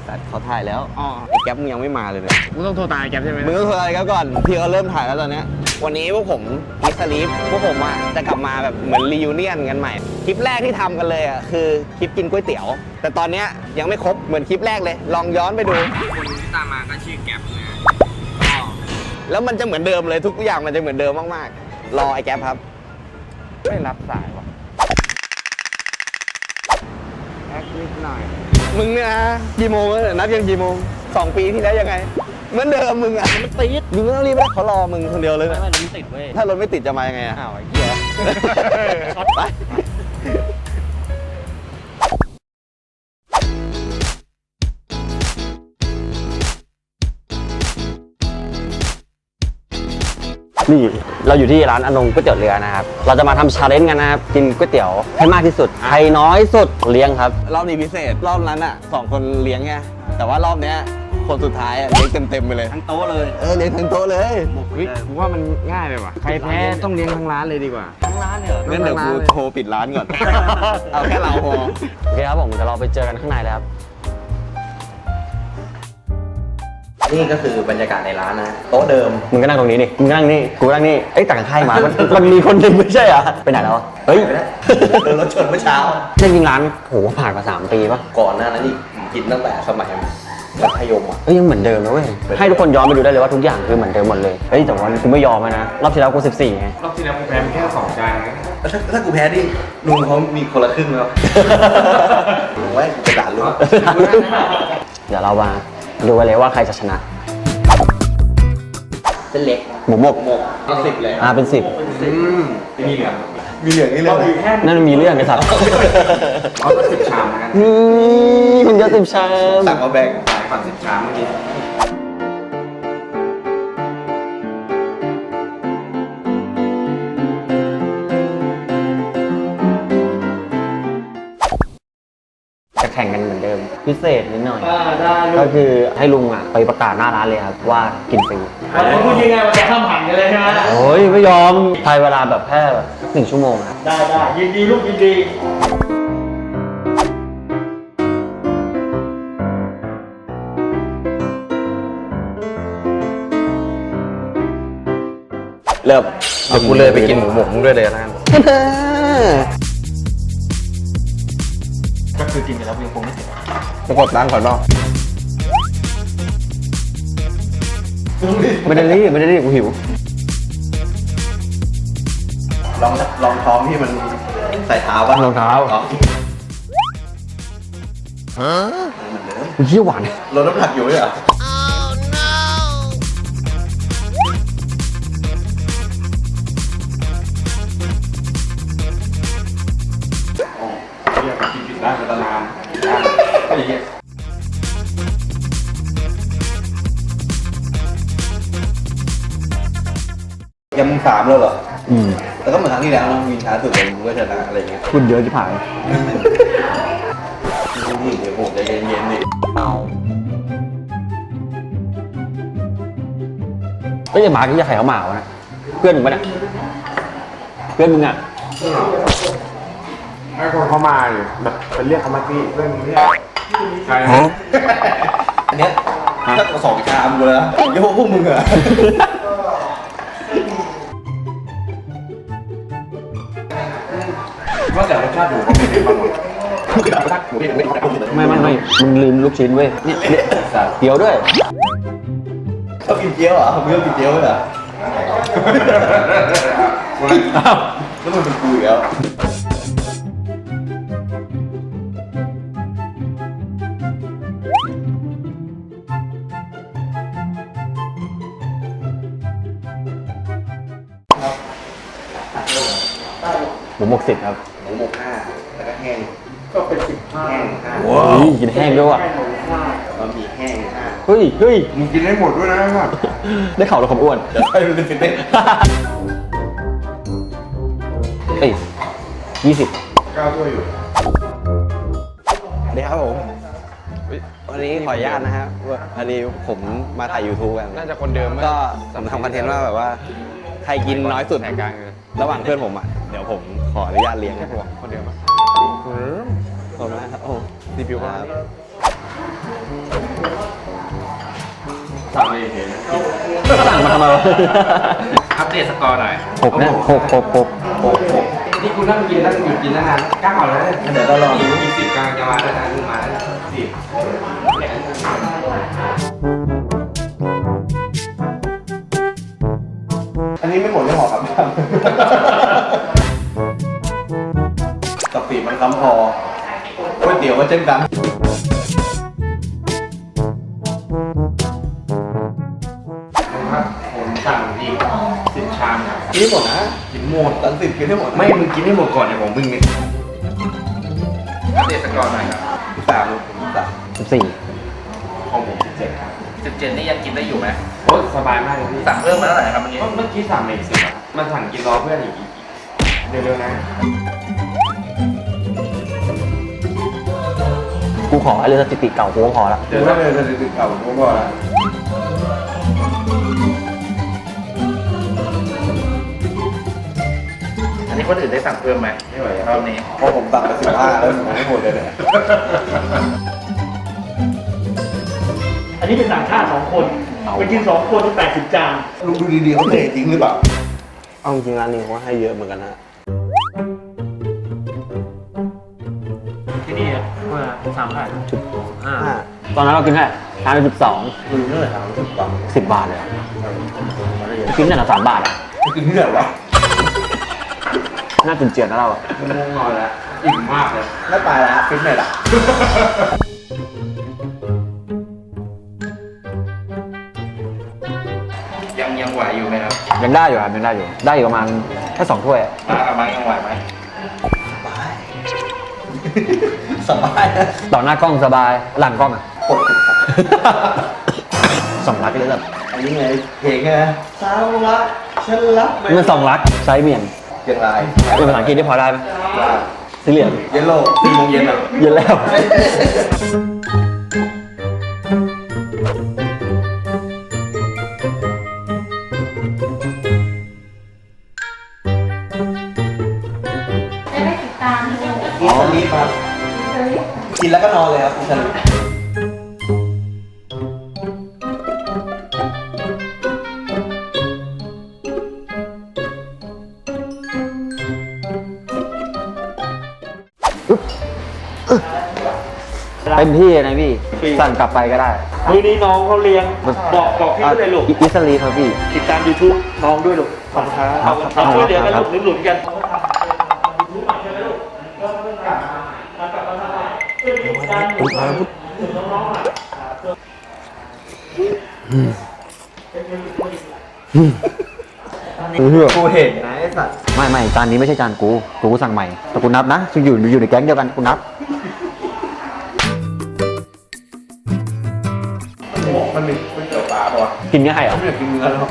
สัตว์เขาถ่ายแล้วไอ้แก๊ปมึงยังไม่มาเลยเนี่ยมึงต้องโทรตามแกใช่ไหมมึงต้องโทรอะไรกันก่อนพี่เขาเริ่มถ่ายแล้วตอนเนี้ยวันนี้พวกผมมิสลีฟพวกผมอ่ะจะกลับมาแบบเหมือนรียูเนียนกันใหม่คลิปแรกที่ทำกันเลยอ่ะคือคลิปกินก๋วยเตี๋ยวแต่ตอนเนี้ยยังไม่ครบเหมือนคลิปแรกเลยลองย้อนไปดูคนที่ตามมาก็ชื่อแก๊ปนะแล้วมันจะเหมือนเดิมเลยทุกอย่างมันจะเหมือนเดิมมากๆรอไอ้แก๊ปครับไม่รับสายว่ะแอคนิดหน่อยมึงเนี่ยนะกี่โมงแล้วนัดยังกี่โมง2 ปีที่แล้วยังไงเหมือนเดิมมึงอ่ะมันติดมึงไม่ต้องรีบนะเขารอมึงคนเดียวเลยไม่รถติดเว้ยถ้ารถไม่ติดจะมายังไงอ่ะอ้าวไอ้เหี้ยช็อตไปนี่เราอยู่ที่ร้านอนงก๋วยเตี๋ยวเรือนะครับเราจะมาทำชาเลนจ์กันนะครับกินก๋วยเตี๋ยวให้มากที่สุดใครน้อยสุดเลี้ยงครับรอบนี้พิเศษรอบนั้นอ่ะ2 คนเลี้ยงไงแต่ว่ารอบเนี้ยคนสุดท้ายเลี้ยงเต็มไปเลยทั้งโต๊ะเลยเลี้ยงทั้งโต๊ะเลยกูว่ามันง่ายไปว่ะใครแพ้ต้องเลี้ยงทั้งร้านเลยดีกว่าทั้งร้านเนี่ยงั้นเดี๋ยวกูโทรปิดร้านก่อน เอาแค่เราพอโอเคครับผมเดี๋ยวเราไปเจอกันข้างในแล้วครับนี่ก็คือบรรยากาศในร้านนะโต๊ะเดิมมึงก็นั่งตรงนี้ดิมึงนั่งนี่กูนั่งนี่เอ้ยต่างค่ายมามันมีคนหนึ่งไม่ใช่เหรอไปไหนแล้วเฮ้ยโดนรถชนเมื่อเช้าจริงร้านโหผ่านมา3 ปีป่ะก่อนหน้านั้นนี่กินตั้งแต่สมัยมัธยมอ่ะยังเหมือนเดิมนะเว้ยให้ทุกคนย้อนไปดูได้เลยว่าทุกอย่างคือเหมือนเดิมหมดเลยเฮ้ยแต่ว่ากูไม่ยอมนะรอบที่แล้วกู14ไงรอบที่แล้วกูแพ้แค่2 จานนะถ้ากูแพ้ดิลุงเขามีคนละครึ่งแล้วลุงไว้กูจะด่าลุงเดี๋ยวเรามาดูกันเลยว่าใครจะชนะเส้นเล็กหมูหมกเป็น10เลยเป็น10 มีเหลืองมีเหลืองนี่เลยนั่นมันมีเรื่องไอ้สัตว์เอาก็10 ชามนะคุณเยอะ10 ชามสั่งมาแบ่งขายก่อน10 ชามเมื่อกี้จะแข่งกันเหมือนเดิมพิเศษนิดหน่อยได้ก็คือให้ลุงอ่ะไปประกาศหน้าร้านเลยครับว่ากินฟรีคุณพูดยังไงมันจะข้ามผ่านกันเลยใช่ไหมโอ้ยไม่ยอมภายเวลาแบบแค่1 ชั่วโมงครับได้ยินดีลูกยินดีเริ่มเดี๋ยวกูเลยไปกินหมูหมกมึงด้วยเลยนะก็คือกินไปแล้วยังคงไม่เสร็จประกบร้านก่อนเนาะไม่ได้รีบกูหิวลองท้องที่มันใส่เท้าป่ะรองเท้าอ๋อเยี่ยหวานลดน้ำหนักอยู่เหรออยากกินผิดร้านตลาดไอ้เหี้ยยังมึง3แล้วเหรอแล้วก็เหมือนครั้งที่แล้วนะวินช้าสุดเลยมึงก็ชนะอะไรเงี้ยคุณเยอะที่ผ่านนี่เดี๋ยวผมจะเย็นๆดิเฮ้ยหมาที่จะไข่เขาหมาวะเพื่อนมึงปะเนี่ยเพื่อนมึงอ่ะให้คนเขามาอยู่แบบเป็นเรียกเขามาที่เรื่องนี้ใช่อันเนี้ยถ้า2 ชามกูแล้วเดี๋ยวพวกมึงเหรอว่าแต่รสชาติหมูเขาเป็นยังไงบ้างวะรสชาติหมูที่ไม่ได้ไม่มึงลืมลูกชิ้นเว้ยเนี่ยเกี๊ยวด้วยชอบกินเจียวเหรอมึงชอบกินเจียวไหมเหรอแล้วมันเป็นกูอีกแล้วหมูหมก10 ครับหมูหมก5แล้วก็แห้งก็เป็น15 แห้ง5 ว้าวกินแห้งด้วยว่ะบะหมี่แห้ง5 เฮ้ยมึงกินให้หมดด้วยนะครับได้ข่าวเราความอ้วนเดี๋ยวให้มันเป็นฟิตเนสเอ้ย20 9 ถ้วยอยู่เดี๋ยวครับผมวันนี้ขออนุญาตนะฮะพอดีผมมาถ่าย YouTube กันน่าจะคนเดิมก็ผมทำคอนเทนต์ว่าแบบว่าใครกินน้อยสุดแข่งกลางเลยระหว่างเพื่อนผมอ่ะเดี๋ยวผมขออนุญาตเลี้ยงแค่นะผมคนเดิมปะขอบคุณมากครับโอ้รีวิวว่าครับสั่งเองนะสั่งมาทำไมวะอัปเดตสกอร์หน่อย 6นะ6 นี่คุณนั่งกินนั่งหยุดกินตั้งนานก้าวแล้วเดี๋ยวเราลองมีสิบกลางจะมาแล้วนะมึงมาแล้วสิบอันนี้ไม่หมดไม่หอครับกะปิมันค้ำพอก๋วยเตี๋ยวก็เช่นกันครับผมสั่งอีก10 ชามครับกินให้หมดนะกินหมดตันสิบกินให้หมดไม่มึงกินให้หมดก่อนเดี๋ยวผมมึงเนี่ยอัปเดตสกอร์หน่อยครับ 13ลูก13 14 ของผม17ครับ 17นี่ยังกินได้อยู่ไหมโอ้สบายมากเลยพี่สั่งเพิ่มมาเท่าไหร่ครับเมื่อกี้เมื่อกี้สั่งมาอีก10อ่ะมันสั่งกินรอเพื่อนอีกเร็วๆนะกูขอเรือสถิติเก่ากูก็พอละเดี๋ยวถ้าเป็นสถิติเก่าผมก็ละอันนี้คนอื่นได้สั่งเพิ่มไหมไม่ไหวรอบนี้เพราะผมสั่งไป15แล้วผมไม่หมดเลยเนี่ยอันนี้เป็นต่างชาติ2 คนไปกิน2 คนต้อง80 จานลุงดูดีๆเขาเททิ้งหรือเปล่าเอาจริงร้านนี้เขาให้เยอะเหมือนกันนะที่นี่ว่า3,500 ตอนนั้นเรากินแค่ทานไป12 ลุงเท่าไหร่ครับ10 บาท 10 บาทเลยอะกินแต่ละ3 บาทอ่ะกินที่ไหนวะน่าจุนเจียนนะเราอะง่วงนอนแล้วอิ่มมากเลยไม่ตายละฟิตเนสอ่ะยังไหวอยู่ไหมครับยังได้อยู่ครับยังได้อยู่ ได้อยู่ประมาณแค่2 ถ้วยอะมาเอามายังไหวไหมสบายนะต่อหน้ากล้องสบาย หลังกล้องอ่ะปกติครับ 2 ลักเลยแบบอันนี้ไงเพลงไงสาวรักฉันรักไม่มัน2 ลักไซส์เมียนเกียงรายเป็นภาษาอังกฤษที่พอได้ไหมว่าสีเหลืองเยลโล่4 โมงเย็นอ่ะเย็นแล้วจะได้ติดตามดูกินสลีปครับกินแล้วก็นอนเลยครับกินสลีปเต็มที่นะพี่ สั่งกลับไปก็ได้มื้อนี้น้องเขาเลี้ยงบอกพี่ด้วยลูกอิสลีครับพี่ติดตาม YouTube น้องด้วยลูกขอบคุณครับเราช่วยเหลือกันลูกหนุนๆกันกูเห็นนะไอ้สัตว์ไม่จานนี้ไม่ใช่จานกูสั่งใหม่ แต่กูนับนะอยู่ในแก๊งเดียวกันกูนับมันมีก๋วยเตี๋ยวปลาป่ะกินง่ายเหรอไม่อยากกินเนื้อแล้ว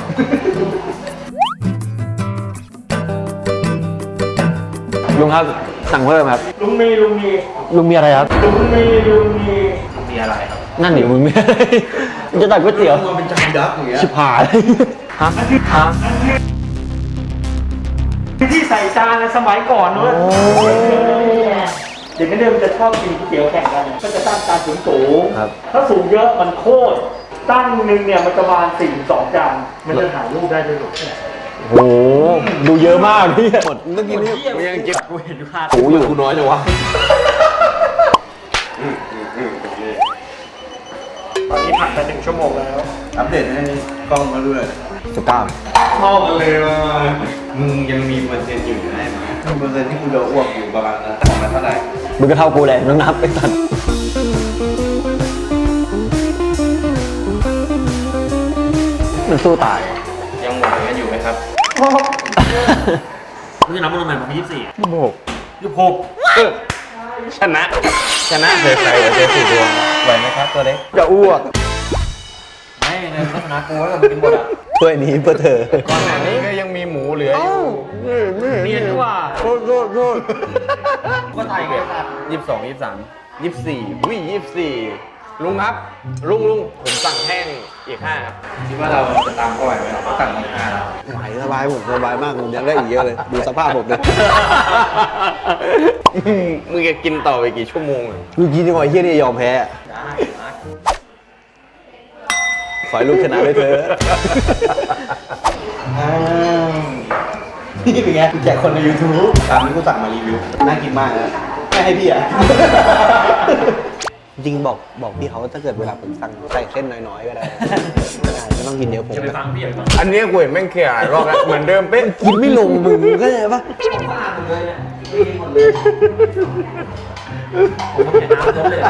ลุงครับ สั่งเพิ่มครับลุงมีมีอะไรครับมีอะไรครับนั่นหนิมึงมีอะไรมึงจะตักก๋วยเตี๋ยวมันเป็นจานยักษ์อย่างเงี้ยชิบหายฮะที่ใส่จานสมัยก่อนเนอะเด็กนักเรียนมันจะชอบกินก๋วยเตี๋ยวแข่งกัน ก็จะตั้งจานสูงๆถ้าสูงเยอะมันโคตร ตั้งหนึ่งเนี่ยมันประมาณ4-2 จาน มันจะถ่ายรูปได้ด้วยลูกโอ้โหดูเยอะมากพี่หมดต้องกินให้กูยังเก็บกูเห็นภาพหูอยู่กูน้อยจังวะตอนนี้ผ่านไป1 ชั่วโมงแล้วอัปเดตให้กล้องมาด้วย 19 ชอบเลยว่ะมึงยังมีเปอร์เซ็นต์อยู่ได้ไหมเปอร์เซ็นต์ที่กูจะอ้วกอยู่ประมาณนั้นของมันเท่าไหร่มึงก็เท่ากูเลยน้องนับไอ้สัตว์มันสู้ตายยังไหวกันอยู่ไหมครับมึงจะนับมันทำไมมันมี24 ชนะเสียใจเสียสี่ดวงไหวไหมครับตัวเล็กจะอ้วกไม่ในลักษณะกูแล้วกินหมดอ่ะถ้วยนี้เพื่อเธอก่อนหน้านี้ก็ยังมีหมูเหลืออยู่เรียนดีกว่าโทษก็ไทยไง22 23 24อุ้ย24ลุงครับ ลุงผมสั่งแห้งอีก5ครับคิดว่าเราจะตามเขาไหวไหมเราสั่งมา5แล้วไหวสบายผมสบายมากผมยังได้อีกเยอะเลย ดูสภาพผมเลยมึงจะกินต่อไปกี่ชั่วโมงอ่ะเมื่อกี้ที่ว่าไอ้เฮียนี่ยอมแพ้ได้ขอให้ลูกชนะด้วยเถอะนี่เป็นไงกูแจกคนใน YouTube ตามที่กูสั่งมารีวิว น่ากินมากนะไม่ให้พี่อ่ะจริงบอกพี่เขาว่าถ้าเกิดเวลาผมสั่งใส่เส้นน้อยๆก็ได้ ไม่ต้องกินเดี๋ยวผมจะไปฟังพี่ก่อนอันนี้กูเห็นแม่งเคลียร์หลายรอบแล้วเหมือนเดิมเป๊ะกินไม่ลงมึงก็เลยปะผมต้องเห็นน้ำเยอะเลย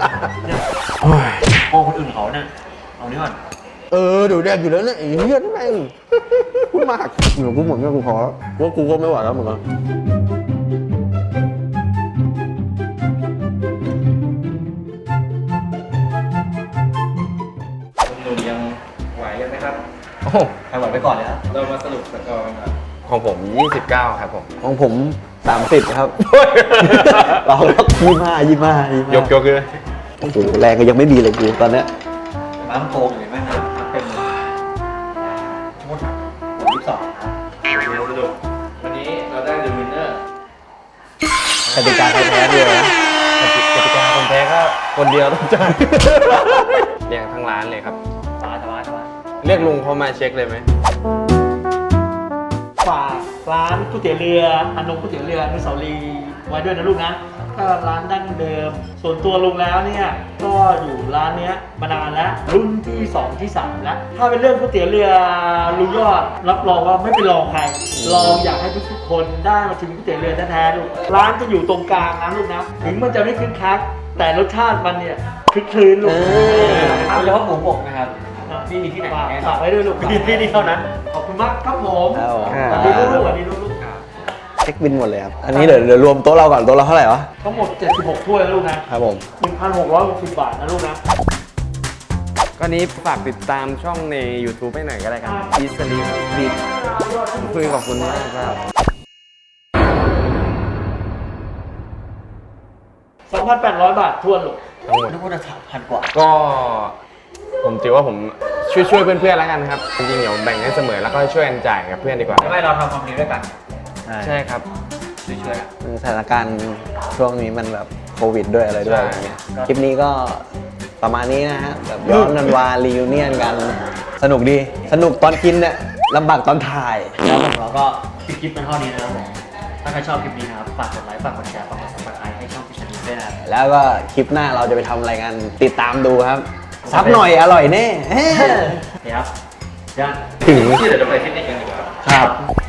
โอ้คนอื่นเขาเนี่ยเอานี่ก่อนเดี๋ยวแดกอยู่แล้วเนี่ยไอ้เหี้ยนี่แม่งพูดมากเดี๋ยวกูหมดเนี่ยกูขอว่ากูก็ไม่ไหวแล้วเหมือนกันหนุ่มๆยังไหวกันไหมครับโอ้โหใครไหวไปก่อนเลยครับเรามาสรุปสกอร์กันครับของผม 29 ครับผมของผม30ครับ เรา25 ยกเลยโอ้โหแรงก็ยังไม่มีเลยกูตอนเนี้ยน้ำโกงอยู่ไหมครับเป็นหมด22ครับสรุปวันนี้เราได้ The Winner กติกาใครแพ้ด้วยนะกติกาคนแพ้ก็คนเดียวต้องจ่ายเรียกทั้งร้านเลยครับสบายเรียกลุงเขามาเช็คเลยไหมฝากร้านก๋วยเตี๋ยวเรืออนงก๋วยเตี๋ยวเรืออนุสาวรีย์ไว้ด้วยนะลูกนะก็ร้านดั้งเดิม ส่วนตัวลุงแล้วเนี่ยก็อยู่ร้านเนี้ยมานานแล้วรุ่นที่2ที่3แล้วถ้าเป็นเรื่องก๋วยเตี๋ยวเรือลุงยอดรับรองว่าไม่เป็นรองใครลองอยากให้ทุกๆคนได้มาชิมก๋วยเตี๋ยวเรือแท้ๆลูกร้านจะอยู่ตรงกลางนะลูกนะถึงมันจะไม่คึกคักแต่รสชาติมันเนี่ยคลึกคลื้นลูกเออโดยเฉพาะหมูบกนะครับที่มีที่ไหนฝากไว้ด้วยลูกที่นี่เท่านั้นขอบคุณมากครับผมครับผมสวัสดีลูกๆสวัสดีลูกๆเช็คบินหมดเลยครับ อันนี้เดี๋ยวรวมโต๊ะเราก่อนโต๊ะเราเท่าไหร่วะทั้งหมด 76 ถ้วยนะลูกนะครับผม 1,660 บาทนะลูกนะก็นี้ฝากติดตามช่องใน YouTube ให้หน่อยก็ได้ครับอีสลีบีคุยขอบคุณมากครับ 2,800 บาททวนลูกทั้งหมดนึกว่าจะ3,000 กว่าก็ผมถือว่าผมช่วยเพื่อนๆแล้วกันครับ จริงๆเดี๋ยวแบ่งให้เสมอแล้วก็ช่วยกันจ่ายกับเพื่อนดีกว่าไม่เราทำความดีด้วยกันใช่ครับช่วยๆกันสถานการณ์ช่วงนี้มันแบบโควิดด้วยอะไรด้วยใช่อะไรเงี้ย คลิปนี้ก็ประมาณนี้นะฮะ แบบย้อนกันวารีวิเนียนกัน สนุกดี สนุกตอนกินเนี่ยลำบากตอนถ่ายแล้วของเราก็คลิปเป็นเท่านี้นะครับผมถ้าใครชอบคลิปนี้นะครับ ฝากกดไลค์ ฝากกดแชร์ ฝากกด subscribe ให้ช่องพิชานีด้วยนะครับแล้วก็คลิปหน้าเราจะไปทำอะไรกัน ติดตามดูครับ ซับหน่อยอร่อยแน่เดี๋ยวยันถึงที่เดี๋ยวเราไปฟิตเนสกันดีกว่าครับ